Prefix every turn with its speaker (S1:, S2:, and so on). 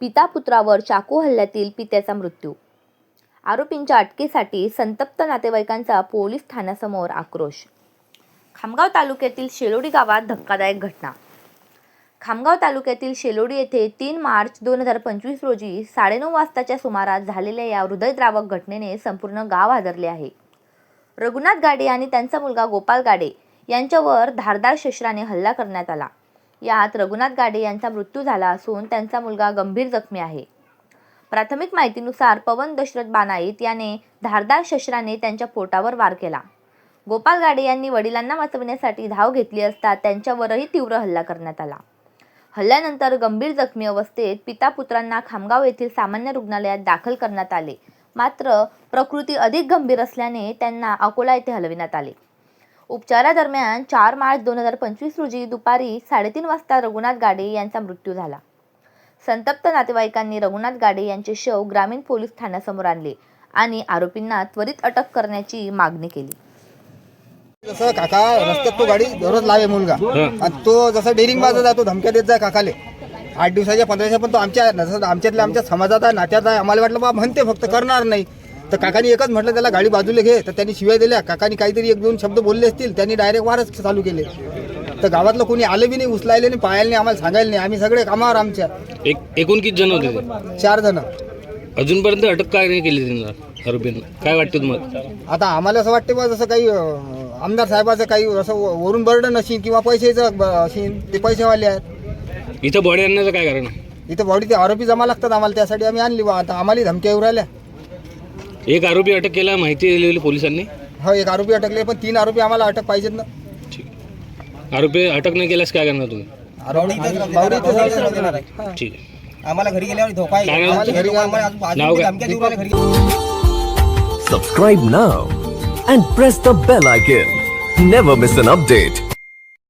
S1: पिता पुत्रावर चाकू हल्ल्यातील पित्याचा मृत्यू। आरोपींच्या अटकेसाठी संतप्त नातेवाईकांचा पोलीस ठाण्यासमोर आक्रोश। खामगाव तालुक्यातील शेलोडी गावात धक्कादायक घटना। खामगाव तालुक्यातील शेलोडी येथे 3 मार्च 2025 रोजी 9:30 वाजताच्या सुमारास झालेल्या या हृदयद्रावक घटनेने संपूर्ण गाव हादरले आहे। रघुनाथ गाडे आणि त्यांचा मुलगा गोपाल गाडे यांच्यावर धारदार शस्त्राने हल्ला करण्यात आला। यात रघुनाथ गाडे यांचा मृत्यू झाला असून त्यांचा मुलगा गंभीर जखमी आहे। प्राथमिक माहितीनुसार पवन दशरथ बानाईत याने धारदार शस्त्राने त्यांच्या पोटावर वार केला। गोपाल गाडे यांनी वडिलांना वाचवण्यासाठी धाव घेतली असता त्यांच्यावरही तीव्र हल्ला करण्यात आला। हल्ल्यानंतर गंभीर जखमी अवस्थेत पिता पुत्रांना खामगाव येथील सामान्य रुग्णालयात दाखल करण्यात आले, मात्र प्रकृती अधिक गंभीर असल्याने त्यांना अकोला येथे हलविण्यात आले। उपचारादरम्यान 4 मार्च 2025 रोजी दुपारी 3:30 वाजता रघुनाथ गाडे यांचा मृत्यू झाला। संतप्त नातेवाईकांनी रघुनाथ गाडे यांचे शव ग्रामीण पोलीस ठाण्यासमोर आणले आणि आरोपींना त्वरित अटक करण्याची मागणी केली।
S2: जसं काका रस्त्यात तो गाडी दररोज लावे मुलगा आणि तो जसा डेरिंग बाजा जातो, धमक्या देत जाय काकाले 8 दिवसाच्या 15 दिवसाच्या, पण तो आमच्यातल्या समाजात आहे, नात्यात आहे। आम्हाला वाटलं बा म्हणते फक्त करणार नाही, तर काकानी एकच म्हटलं त्याला गाडी बाजूला घे, तर त्यांनी शिवाय दिल्या। काकानी काहीतरी 1-2 शब्द बोलले असतील, त्यांनी डायरेक्ट वारच चालू केले। तर गावातलं कोणी आलं बी नाही, उचलायले नाही, पाहायला नाही, आम्हाला सांगायला नाही। आम्ही सगळे कामावर आमच्या।
S3: एकूण किती जण होते?
S2: 4 जण।
S3: अजूनपर्यंत अटक काय नाही केली त्यांना आरोपींना? काय वाटतं तुम्हाला?
S2: आता आम्हाला असं वाटते बा जसं काही आमदार साहेबाचं काही असं वरून बर्डन असेल किंवा पैशाचं असेल, ते पैसेवाले आहेत।
S3: इथं बॉडी आणण्याचं काय कारण आहे?
S2: इथं बॉडी ते आरोपी जमा लागतात आम्हाला, त्यासाठी आम्ही आणली बा। आता आम्हाला धमक्या येऊ राहिल्या।
S3: एक आरोपी अटक केला, माहिती दिलेली पोलिसांनी?
S2: हो, 1 आरोपी अटकले, पण 3 आरोपी आम्हाला अटक पाहिजेत ना।
S3: ठीक, आरोपी अटक नाही केल्यास काय करणार तुम्ही? ठीक आहे,
S4: आम्हाला घरी गेल्यावर धोका आहे।
S3: काय नाव?
S4: आम्हाला घरी
S3: नाव काय?
S4: धमक्या देऊ राहिले घरी।
S5: Subscribe now and press the bell icon. Never miss an update.